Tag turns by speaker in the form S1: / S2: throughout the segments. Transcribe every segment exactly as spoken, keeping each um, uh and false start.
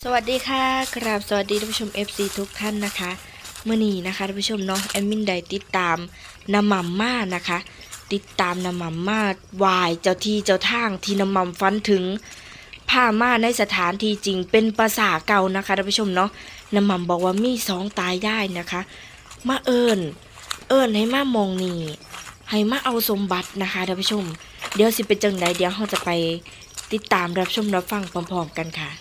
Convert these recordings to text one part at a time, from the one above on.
S1: สวัสดีค่ะกราบสวัสดีท่านผู้ชม เอฟ ซี ทุกท่านนะคะเมื่อนี้นะคะท่านผู้ชมเนาะแอดมินได้ติดตามน้ำหม่ำมานะคะ ติดตามน้ำหม่ำมาวายเจ้าที่เจ้าทางที่น้ำหม่ำฟันถึงผ้ามาในสถานที่จริงเป็นภาษาเก่านะคะท่านผู้ชมเนาะน้ำหม่ำบอกว่ามีสองตายได้นะคะมาเอิญเอิญให้มามองนี่ให้มาเอาสมบัตินะคะท่านผู้ชมเดี๋ยวสิเป็นจังใดเดี๋ยวเราจะไปติดตามรับชมรับฟังพร้อมๆกันค่ะ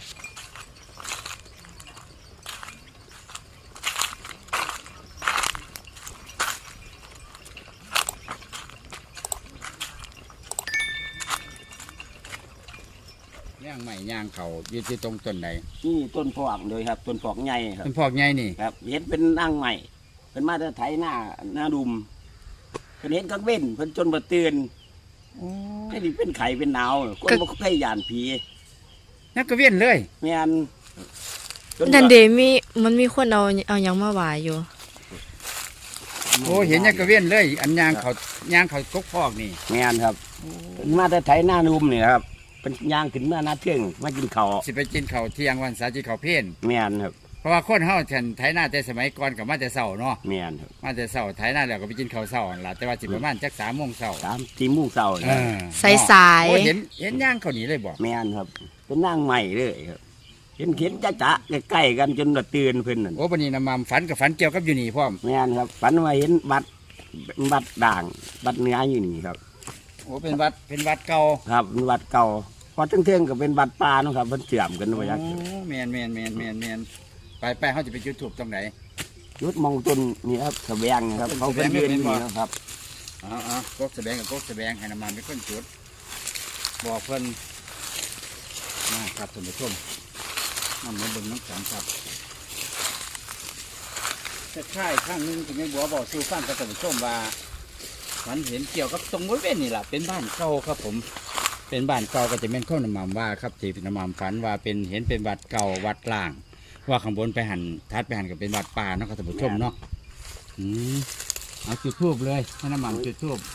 S2: ย่างใหม่ย่างเขาอยู่ที่ตรงต้นไหน
S3: นี่ต้นพอกเลยครับต้นพอกใหญ่ครับ
S2: ต้นพอกใหญ่นี่
S3: ครับเห็นเป็นนั่งใหม่เพิ่นมาจะไถหน้าหน้าดุมเพิ่นเห็นกังเว้นเพิ่นจนบ่ตื่นแค่นี้เป็นไข่เป็นหนาวคนบ่เคยย่านผี
S2: นักกระเวียนเลย
S3: แม่น
S1: นั่นเดมีมันมีคนเอาเอายังมาหวายอยู่
S2: โอ้เห็นนักกระเวียนเลยอันย่างเขาย่างเขากกพอกนี่
S3: แม่นครับเพิ่นมาจะไถหน้าดุมนี่ครับเป็นย่างขึ้นมาหน้าเที่ยงมากินข้าว
S2: สิไปกินข้าวเที่ยงวันเสาร์ที่เขาเพี้ยน
S3: แม่นครับ
S2: เพราะว่าคนเฮาฉันไถนาแต่สมัยก่อนกับมาแต่เช้าเนาะ
S3: แม่นครับ
S2: มาแต่เช้าไถนาแล้วก็ไปกินข้าวเช้าล่ะแต่ว่าสิประมาณจักสามโมงเช้า
S3: สามสี่โมงเช้า
S2: เออ
S1: สายๆ
S2: โอ้เห็นเห็นย่างเขาหนีเลยบ่
S3: แม่นครับเป็นนั่งใหม่เลยครับเห็นเห็นจ๊ะจ๊ะใกล้ๆกันจนบ่ตื่นเพิ่นนั่น
S2: โอ้บัดนี้น้ำมันฝันกับฝันเกี่ยวกับอยู่นี่พร้อม
S3: แม่นครับฝันว่าเห็นบัดบัดด่างบัดเนื้ออยู่นี่ครับ
S2: โอ้เป็นวัดเป็นวัดเก่า
S3: ครับเป็นวัดเก่าพอเที่ยงๆก็เป็นวัดป่าเนาะครับมันเสื่อมกันว่าอย่าง
S2: โอ้แม่นแม่นแม่นแม่นแม่นไปไปเฮาจะไปจุดธูปตรงไหน
S3: ยุดมองต้นนี่ครับแสวงครับเขาเป็นยืนนี่นะครับ
S2: อ๋ออ๋อกกแสวงกับกกแสวงให้น้ำมันเป็นคนจุดบอกเพิ่นนะครับท่านผู้ชมน้ำมันเบิ่งน้ำสังครับจะค่ายข้างนึงที่แม่บัวบอกสู่ฟังกับท่านผู้ชมว่ามันเห็นเกี่ยวกับตรงบริเวณนี่แหละเป็นบ้านเก่าครับผมเป็นบ้านเก่าก็จะเป็นข้าวน้ำมันว่าครับที่น้ำมันฝันว่าเป็นเห็นเป็นวัดเก่าวัดล่างว่าข้างบนไปหันทัดไปหันก็เป็นวัดป่าเนาะครับท่านผู้ชมเนาะอืมเอาจุดทูบเลยให้น้ำมันจุดทูบ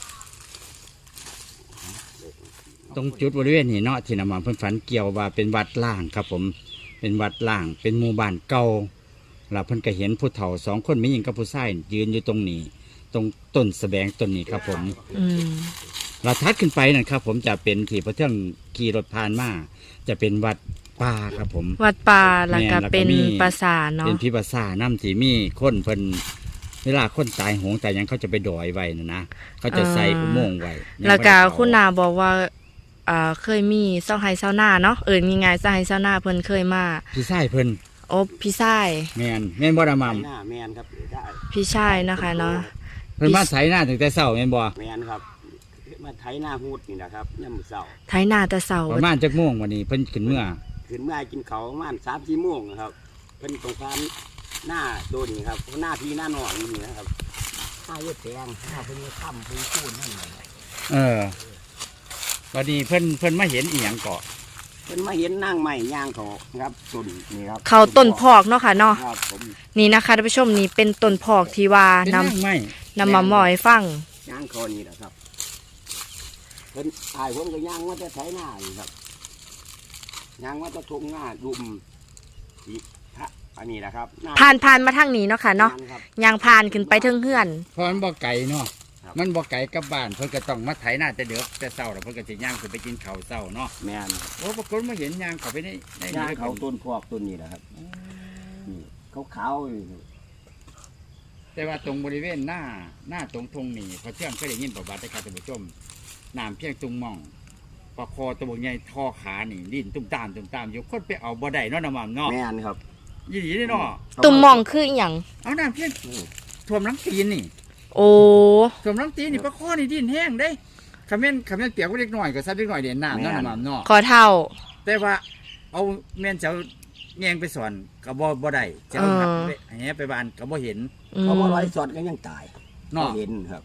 S2: ตรงจุดบริเวณนี้เนาะที่น้ำมันเพิ่นฝันเกี่ยวว่าเป็นวัดล่างครับผมเป็นวัดล่างเป็นหมู่บ้านเก่าแล้วเพิ่นก็เห็นผู้เฒ่าสองคนไม่ยิงกับผู้ชายยืนอยู่ตรงนี้ตรงต้นแสบงต้นนี้ครับผมเราทัดขึ้นไปนั่นครับผมจะเป็นที่พระเทืองขี่รถผ่านมาจะเป็นวัดป่าครับผม
S1: วัดป่าแล้วก็เป็นปราสาทเนาะ
S2: เป็นพิปราสาทน้ำที่มีคนเพิ่นเวลาคนตายโหงแต่ยังเขาจะไปดอยไว้นะนะเขาจะใส่อุโมงค์ไว้
S1: แล้วก็คุณนาบอกว่าอ่าเคยมีเศร้าไฮเศร้าหน้าเนาะเอิญมีไงเศร้าไฮเศร้าหน้าเพิ่นเคยมา
S2: พี่ชายเพิ่น
S1: โอ้พี่ชาย
S2: แมนแมนบ่ดามัม
S3: แมนครับ
S1: พี่ชายนะคะเนาะ
S2: เพิ่นมาไถหน้าถึงแต่เช้าแมนบ่
S3: แมนครับมาไถหน้าฮูดนี่นะครับย่ำมื้อเช้า
S1: ไถหน้าแต่เช้า
S2: ประมาณจักโมงวันนี้เพิ่นขึ้นเมื่อ
S3: ขึ้นเมื่อกินเขาประมาณสามสี่โมงครับเพิ่นตรงการหน้าโดนนี่ครับหน้าพี่หน้าหนองนี่นะครับหน้าเยอะแดงหน้าเพิ่นค่ำเพิ่นคูนนั่น
S2: เออวันนี้เพิ่นเพิ่นมาเห็นอีหยังเกาะ
S3: เพิ่นมาเห็นนั่งใหม่ย่างเขาครับต้นนี่ครับ
S1: เขาต้นพอกเนาะค่ะเนาะ
S3: ครับผม
S1: นี่นะคะท่านผู้ชมนี่เป็นต้นพอกที่ว่านำนำมาหมอยฟัง
S3: ย่างเขานี่แหละครับเพิ่นตายผมก็ย่างว่าจะไถหน้าอยู่ครับย่างว่าจะทุ่งหน้าดุมสีพระอันนี้แหละครับ
S1: ผ่านผ่านมาทางนี้เนาะค่ะเนาะย่างผ่านขึ้นไปถึงเฮือน
S2: เพราะมันบ่ไกลเนาะมันบ่ไกลกับบ้านเพิ่นก็ต้องมาไถหน้าแต่เดือกแต่เช้าแล้วเพิ่นก็สิย่างขึ้นไปกินข้าวเช้าเนาะ
S3: แม่น
S2: โอ้ปรากฏมาเห็นย่างเขาไปในใน
S3: ย่างเขาต้นพอกต้นนี้แหละครับเขาขาว
S2: แต่ว่าตรงบริเวณหน้าหน้าตรงทงนี่พอเที่ยงเคยได้ยินประวัติการท่านผู้ชมน้ำเพียงตุงม่องปลาคอตัวใหญ่ทอขานี่ดิ้นตุ้มตามตุ้มตามอยู่คนไปเอาบ่ได้เนาะน้ำมันเนาะ
S3: แม่นครับ
S2: ยี่ดีเนาะ
S1: ตุ่มม่องคืออีหยัง
S2: เอาน้ำเพียงท่วมน้ำตีนนี่
S1: โอ้
S2: สมน้ำตีนี่ปลาข้อนี่ดิ้นแห้งได้ขมิ้นขมิ้นเปียกก็เล็กน้อยก็ซับเล็กน้อยเด่นน้ำนั่นน้ำเนาะ
S1: ขอเท่า
S2: แต่ว่าเอาเมียนเจ้าแงงไปสอนกับบ่บ่ได้เจ้าหักไปแหไปบ้านกับบ่เห็น
S3: เขาบ่ร้อยสอนก็ยังตายเนาะเห็นครับ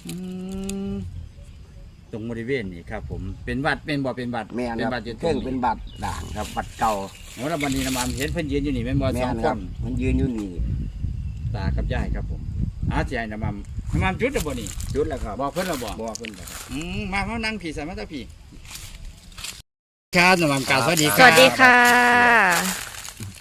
S2: ตรงบริเวณนี่ครับผมเป็นวัดเป็นบ่เป็นวัด
S3: เป็นวัดอยู่เพิ่งเป็นวัดด่างครับวัดเก่า
S2: โอ้แล้ววันนี้น้ำมันเห็นเพิ่นยืนอยู่นี่เป็นบ่สองคน
S3: มันยืนอยู่นี่
S2: ตากับยายครับผมอาจารย์น้ำมันน้ำมันจุดแล้วบ่นี่
S3: จุดแล้วครับ
S2: บอกเพิ่นแล้วบ่
S3: บอกเพิ่นครับ
S2: อืมมาเขานั่งผีใส่มาตาผีครับน้ำมันกาสวัสดีครับ
S1: สวัสดีค่ะ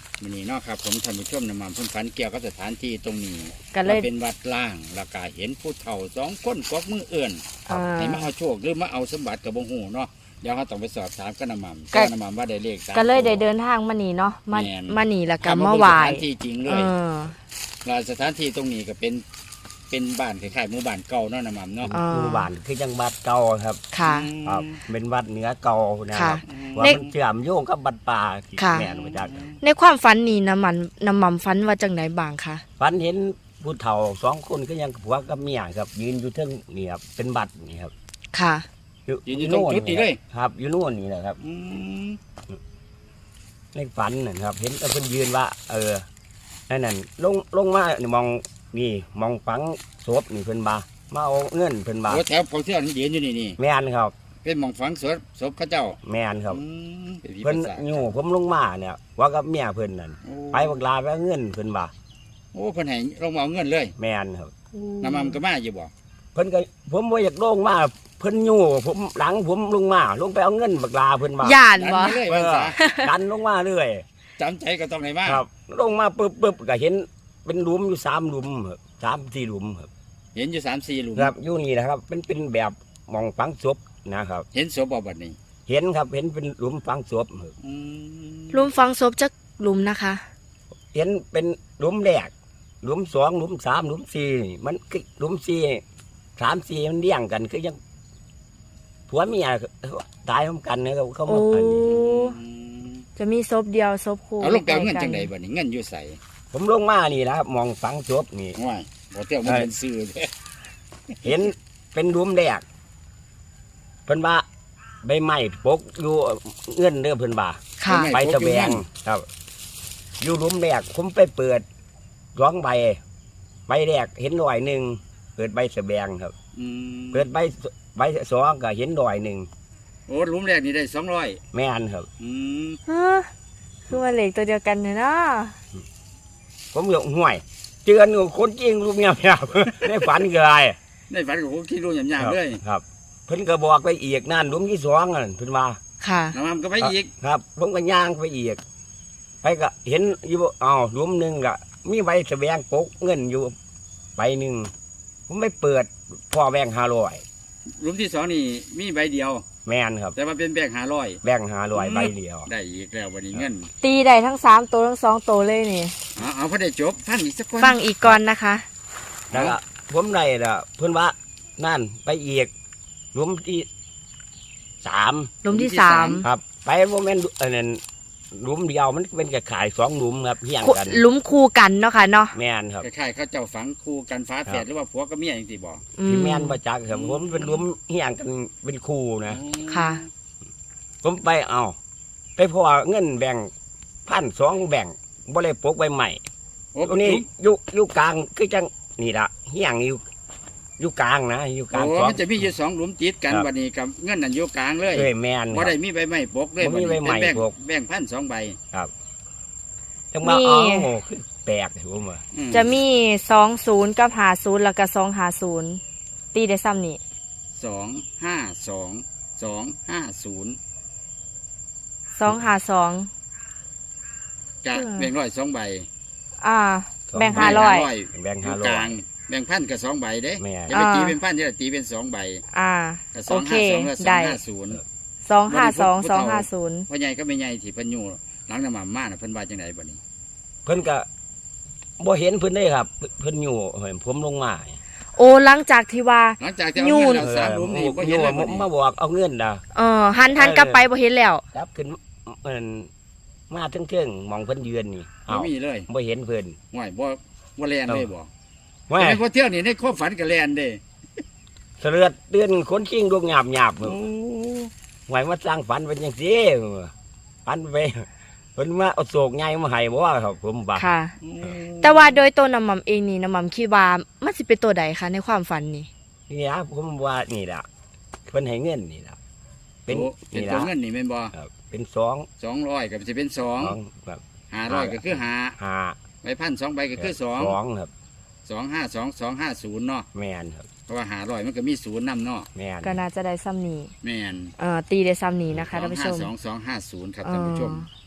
S2: ะครับผมท่านผู้ชมน้ำมันเพิ่นฝันเกี่ยวกับสถานที่ตรงนี้
S1: ก็เลย
S2: ว่าเป็นวัดล่างแล้วก็เห็นผู้เฒ่าสองคนกวักมือเอื่น
S1: อ่า
S2: ให้มาเอาโชคหรือมาเอาสมบัติกับบ่ฮู้เนาะเดี๋ยวเขาต้องไปสอบถามกับน้ำมัน
S1: ก็
S2: น้ำมันว่าได้เลขสาม
S1: ก็เลยได้
S2: ตัว
S1: เดินทางมานี่เนาะมา
S2: แม่น
S1: มานี่แล้วก็
S2: ถ
S1: มา
S2: บิ่ง
S1: ไหว้
S2: สถานที่จริงเล
S1: เอย อ
S2: แล้วสถานที่ตรงนี้ก็เป็นเป็นบ้านคล้ายๆหมู่บ้านเก่าเนาะน้ำมันเนาะ
S1: อ่า
S3: หมู่บ้านคือจังวัดเก่าครับ
S1: ค่ะ
S3: ครับเป็นวัดเหนือเก่านะค
S1: ค่ะ
S3: รับว่า
S1: ใน
S3: มันเชื่อมโยงกับบัดป่าที่
S1: ค่ะ
S3: แม่นมาจาก
S1: ในความฝันนี่น้ำมันน้ำมันฝันว่าจังไหนบ้างคะ
S3: ฝันเห็นผู้เฒ่าสองคนก็ยังผัวกับเมียครับ ยืนอยู่เทิงนี่ครับเป็นบัดนี่ครับ
S1: ค่ะ
S2: ยืนอยู่ตรงจุดนี้เลย
S3: ครับอยู่โน่นนี่แหละครับ
S2: อืม
S3: ในฝันนะครับ เห็นแต่เพิ่นยืนว่า เออนั่นนั่นลงลงมานี่มองนี่มองฝังศพนี่เพิ่นบามาเอาเงินเพิ่นบา
S2: โอ้แถวของที่เรายืนอยู่นี่นี่
S3: แม่นครับ
S2: เป็นหม่องฝังศพศพเขาเจ้า
S3: แม่นครับ
S2: อืมเป็นผี
S3: เพิ่น
S2: ปีศาจ
S3: อยู่ผมลงมาเนี่ย ว่ากับเมียเพิ่นนั่น
S2: โอ้
S3: ไปบักลาไปเอาเงินเพิ่นบา
S2: โอ้เพิ่นให้ลงมาเอาเงินเลย
S3: แม่นครับ
S2: น้ำมันก็มาอยู่บ่
S3: เพิ่นก็ผมบ่อยากลงมาเพิ่นอยู่ผมหลังผมลงมาลงไปเอาเงินบักลาเพิ่นบา
S1: ย่าน
S2: ดัน
S1: บ่
S2: ไปเลย
S3: เอ
S2: ว่า
S3: อ
S2: ซะ
S3: ดันลงมาเรื่อย
S2: จำใจก็ต้องให้มา
S3: ครับ ลงมาปึ๊บปึ๊บก็เห็นเป็นหลุมอยู่สามหลุมครับสามสี่หลุมครับ
S2: เห็นอยู่สามสี่หลุม
S3: ครับอยู่นี่นะครับเป็นเป็นแบบหมองฝังศพนะครับ
S2: เห็นศพบ่บัดนี้
S3: เห็นครับเห็นเป็นหลุมฝังศพครับ
S2: อืม
S1: หลุมฝังศพจักหลุมนะคะ
S3: เห็นเป็นหลุมแรกหลุมสองหลุมสามหลุมสี่มันคือหลุมสี่สามสี่มันเลี้ยงกันคือยังผัวเมียตายพร้อมกันนะครับเขา
S1: โอ้
S3: มาอันนี้
S2: อืม
S1: จะมีศพเดียวศพคู่
S2: เอาลงไปเอาเงินจังไดบัดนี้เงินอยู่ใส่
S3: ผมลงมานี่นะครับมองฝังศพนี่
S2: ง่ายบ่เที่ยวมันเป็นซื่อเด้
S3: เห็นเป็นหลุมแรกเพิ่นว่าใบไม้ปกอยู่เงื่อนเด้อเพิ่นว่า
S1: ค่ะ
S3: ไปแสวงครับ อยู่หลุมแรกผมไปเปิดร้องใบใบแรกเห็นหน่อยหนึ่งเปิดใบแสวงครับ
S2: อืม
S3: เปิดใบใบสองก็เห็นหน่อยหนึ่ง
S2: โอ้หลุมแรกนี่ได้สองร้อย
S3: แม่นครับ
S2: อืม
S1: ฮะคือว่าเหล็กตัวเดียวกันเนี่ยเนาะ
S3: ผมหยกห่วยเจือนกับคนจริงลูกเมียครับ ในฝันก็ได้
S2: ในฝันก็คงคิดรู้หยาบๆเลย
S3: ครับ เพิ่นก็บอกไปอีกนั่นหลุมที่สองนั่นเพิ่นว่า
S1: ค่ะ
S2: น้ำมันก็ไปอีก
S3: ครับผมก็ย่างไปอีกไปก็เห็นอยู่อ้าวหลุมหนึ่งก็มีใบแสวงปกเงินอยู่ใบหนึ่งผมไม่เปิดพ่อแบงค์ห้าร้อย
S2: หลุมที่สองนี่มีใบเดียว
S3: แม่นครับ
S2: แต่ว่าเป็นแบงค์ห้าร้อย
S3: แบงค์ห้าร้อยใบเดียว
S2: ได้อีกแล้ววันนี้เงิน
S1: ตีได้ทั้งสามตัวทั้งสองตัวเลยนี่
S2: เอาเอาพอได้จบฟังอีกสักคน
S1: ฟังอีกก่อนนะคะ
S3: แล้วก็ผมได้ละเพิ่นว่านั่นไปอีกหลุมที่สาม
S1: หลุมที่สาม
S3: ครับ ไปโมเมนต์อันนั้นหลุมเดียวมันเป็นกระขายสองหลุมครับเฮียงกัน
S1: หลุมคู่กันเนาะค่ะเนาะ
S3: แม่นครับ
S2: คล้ายๆเขาเจ้าฝังคู่กันฟ้าแฝดหรือว่าผัวกับเมียอย่างที่บอก
S1: อื
S3: ที่
S1: ม
S3: แม่นประจักษ์ครับผมเป็นหลุมเฮียงกันเป็นคู่นะ
S1: ค่ะ
S3: ผมไปเอาไปพอเงินแบ่งพันสองแบ่งบ่ได้ปกใบใหม่
S2: โอ้
S3: ตัวนี้อยู่อยู่กลางคือจังนี่ละเฮียงอยู่อยู่กลางนะอยู่กลาง
S2: โอ้
S3: สอง
S2: มันจะมีอยู่สองหลุมติดกัน
S3: ครับ
S2: วันนี้กับเงินนั่นอยู่กลางเลย
S3: เอ้ยแม่นค
S2: ว่า
S3: รับ
S2: ได้มีใบไม้ปกเลย
S3: บ่มีใบไม้
S2: เป็นแบ่ง
S3: ปก
S2: แบ่งพันสองใบ
S3: จังว่า
S1: มี
S3: เอาคือแปลกผมว่า
S2: อื
S1: จะมีสองศูนย์กับหาศูนย์แล้วก็สองหาศูนย์ตีได้ซ้ำนี่
S2: สองห้าสองสองห้าศูนย์
S1: สองหาสอง
S2: จะ
S1: อืม
S2: แบ่งร้อยสองใบ
S1: อ่า
S3: สอง
S1: แบ่งห้าร้อย
S3: แบ่ง
S2: อ
S3: ห้า
S2: ยู่
S3: ร้
S2: ก
S3: อ
S2: ลาย งแบ่งพันกับสองใบเด้
S3: แม่
S2: จะไปตี
S1: อ่า
S2: เป็นพันจะตีเป็นสองใบ
S1: อ่า
S2: กับส
S1: โอ
S2: อง
S1: เค
S2: ห้าสองและสอ
S1: ได้
S2: งห้าศูนย์
S1: สองห้าสอง
S2: ผู้
S1: สอง
S2: เฒ่า
S1: ห้าศูนย์
S2: พ่อใหญ่ก็ไม่ใหญ่ที่เพิ่นอยู่หลังน้ำมันมาน่ะเพิ่นว่าจังไดบัดนี้
S3: เพิ่นก็บ่เห็นเพิ่นได้ครับ เพิ่นอยู่เห็นผมลงมา
S1: โอ้หลังจากที่ว่า
S2: หลังจากที่เอา
S1: ยู่
S2: เงินแล้วสามหลุมนี่บ่
S3: อ
S2: เห็น
S3: ยู่
S2: เลยบัดนี้
S3: มาบอกเอาเงินนะ
S1: เออหันหันกลับไปบ่เห็นแล้ว
S3: ครับขึ้นเอิ้นมาเทิงๆมองเพิ่นยืนนี่
S2: บ่
S3: เอ้า
S2: มีเลย
S3: บ่เห็นเพิ่น
S2: ห่วยบ่บ่แลนเลยบ่
S3: แม่
S2: แต่พอเที่ยวนี่ในความฝันก็แลนเด้
S3: เสลือดเตือนคนชิงดวงหยาบหยาบ
S2: โอ้
S3: ไว้มาสร้างฝันเป็นจังซี่ฝันไปเพิ่นมาเอาโศกใหญ่มาให้บ่ว่าครับ ผมว่า
S1: ค่ะ แต่ว่าโดยตัวน้ำมันเองนี่น้ำมันคิดว่ามันสิเป็นตัวใดคะในความฝันนี่
S3: นี่นะผมว่านี่ล่ะเพิ่นให้เงินนี่ล่ะเป็น
S2: โอ้เป็น
S3: นี่
S2: ตัว
S3: ล่ะ
S2: เงินนี่แม่นบ่
S3: ครับเป็นสอง
S2: สองร้อยก็สิเป็นสอง
S3: สองแบบ
S2: ห้าร้อยก็คือห้า
S3: ห้า
S2: ใบพันสองใบก็คือสอง
S3: สองครับ
S2: สองห้าสองสองห้าศูนย์เนาะ
S3: แม่นครับ
S2: เพราะว่าห้าร้อยมันก็มีศูนย์นำเนาะ
S3: แม่น
S1: ก็น่าจะได้ซ้ำนี้
S2: แม่น
S1: เอ่อตีได้ซ้ำนี้นะคะท่านผู้ชม
S2: สองห้าสองสองห้าศูนย์ครับ
S1: เอ่
S2: ท่านผู้ช
S1: อ
S2: ม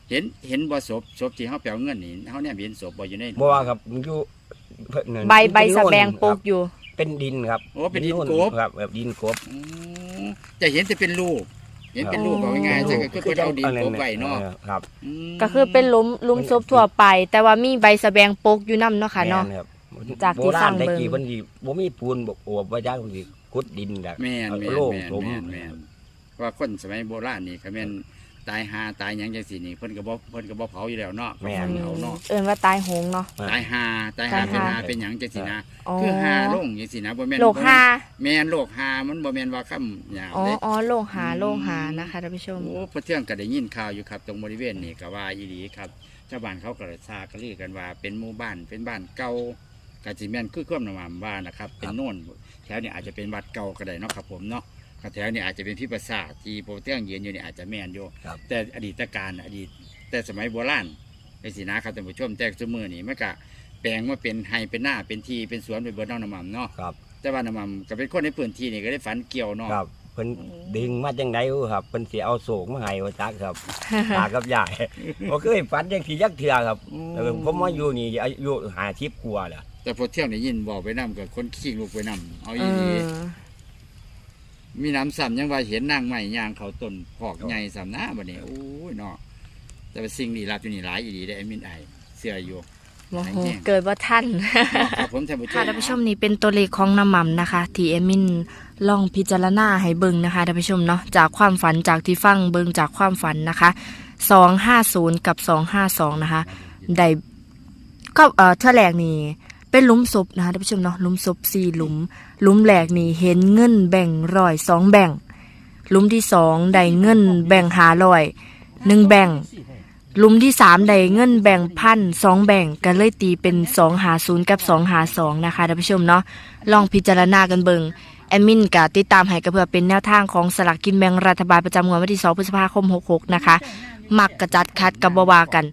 S2: เห็นเห็นบ่ศพศพที่เฮาไปเอาเงินนี่เฮาเนี่ยเห็นศพบ่อยู่ใน
S3: บ่ว่าครับมันอยู่เพิ่นนั่น
S1: ใบใบ
S3: เป็น
S1: สะ
S3: โน่น
S1: แบงปลู
S3: ค
S1: ก
S3: รับ
S1: อยู่
S3: เป็นดินครับ
S2: โอ้เป็นดิน
S3: โ
S2: กบ
S3: ครับแบบดินกบ
S2: อืมจะเห็นแต่เป็นรูปเห็นเป็นรูปเอาง่ายๆจะก็คือเพิ่นเอาดินกบไว้เนาะ
S3: ออครับ
S2: อืม
S1: ก็คือเป็นหลุมหลุมศพทั่วไป แต่ว่ามีใบสะแบงปลูกอยู่นํเนาะค่ะเนาะ
S3: แม่ครับ
S1: จากที่ฟัง
S3: โบราณ
S1: เบิ่ง
S3: ได้กี่เพิ่นสิบ่มีปูนบ่โอบไว้จักเพิ่นสิขุดดินแบบ
S2: แม่น
S3: เอา
S2: แม่น
S3: โล่ง
S2: แม่น
S3: สม
S2: แม่นแม่นว่าคนสมัยโบราณนี่ก็แม่นตายหาตายหยังจังซี่นี่เพิ่นก็บ่เพิ่นก็บ่เผาอยู่แล้วเนาะ
S3: แม่น
S2: เพิ่นเอาเนาะ
S1: เอิ้นว่าตายโหงเนาะ
S2: ตายหาตายหา
S1: ตาย
S2: เป็น
S1: หา
S2: หาเป็นหยังจังซี่นะ
S1: อ๋อ
S2: คือหาลงจังซี่นะบ่แม่น
S1: โลกหา
S2: แม่นโลกหามันบ่แม่นว่าคำหยาบ
S1: อ๋อ
S2: เด้
S1: อ๋อโลกหาโลกหานะคะท่านผู้ชม
S2: โอ้พระเที่ยงก็ได้ยินข่าวอยู่ครับ ตรงบริเวณนี่ก็ว่าอีหลีครับชาวบ้านเขาก็เลยทราบกันเรียกกันว่าเป็นหมู่บ้านเป็นบ้านเก่ากาจิแมนคือความนำมาว่านะครับ เป็นโน่นแถวนี้อาจจะเป็นวัดเก่าก็ได้เนาะครับผมเนาะก็แถวนี้อาจจะเป็นพิปราสาทที่โปรเตียงยืนอยู่นี่อาจจะแม่นอยู่
S3: ครับ
S2: แต่อดีตการอดีตแต่สมัยโบราณในสินะครับท่านผู้ชมแต่สมือนี่มันก็แปลงมาเป็นไฮเป็นหน้าเป็นทีเป็นสวนเป็นเบิร์น้องน้ำมันเนาะ
S3: ครับ
S2: แต่ว่าน้ำมันก็เป็นคนในพื้นที่นี่ก็ได้ฝันเกี่ยวเนาะ
S3: ครับเพิ่นดึงมาจังได๋ครับเพิ่นสิเอาโศกมาให้ว่าจักครับ ตากับยายบ่เคยฝันจังซี่จักเทื่อครับเออผมมาอยู่นี่อายุห้าสิบกว่าแล้ว
S2: แต่พอเที่ยวได้ยินบอกไปนำกับคนขี้ลูกไปนำเอา
S1: เอ
S2: อีนี
S1: อ
S2: มีน้ำซ้ำยังว่าเห็นนางใหม่ยางเขาต้นพอกใหญ่ซ้ำหน้าบัดนี้โอ้ยเนาะแต่ว่าสิ่งลี้ลับอยู่นี่หลายอีหลีได้อไอ้มินไอเสื้ออยู่
S1: โมโหเกิดว่าท่าน
S2: เนาะครับผมท่านผู้ช
S1: ค่ะ
S2: ม
S1: ท่านผู้ชมนี่เป็นตัวเลขของน้ำหม่ำนะคะ ที่เอมินลองพิจารณาให้เบิ่งนะคะท่านผู้ชมเนาะจากความฝันจากที่ฟังเบิ่งจากความฝันนะคะสองห้าศูนย์กับสองห้าสองนะคะได้ก็เอ่อเท่าแรกนี่เป็นหลุมศพนะคะท่านผู้ชมเนาะหลุมศพสี่หลุมหลุมแรกนี่เห็นเงินแบ่งร้อยสองแบ่งหลุมที่สองได้เงินแบ่งหาร้อยหนึ่งแบ่ง หลุมที่สามได้เงินแบ่งพันสองแบ่งกันเลยตีเป็นสองหาศูนย์กับสองหาสองนะคะท่านผู้ชมเนาะลองพิจารณากันเบิงแอดมินกะติดตามให้ก็เพื่อเป็นแนวทางของสลากกินแบ่งรัฐบาลประจำงวดวันที่สองพฤษภาคมหกหกนะคะมักกระจัดคัดกับบวากัน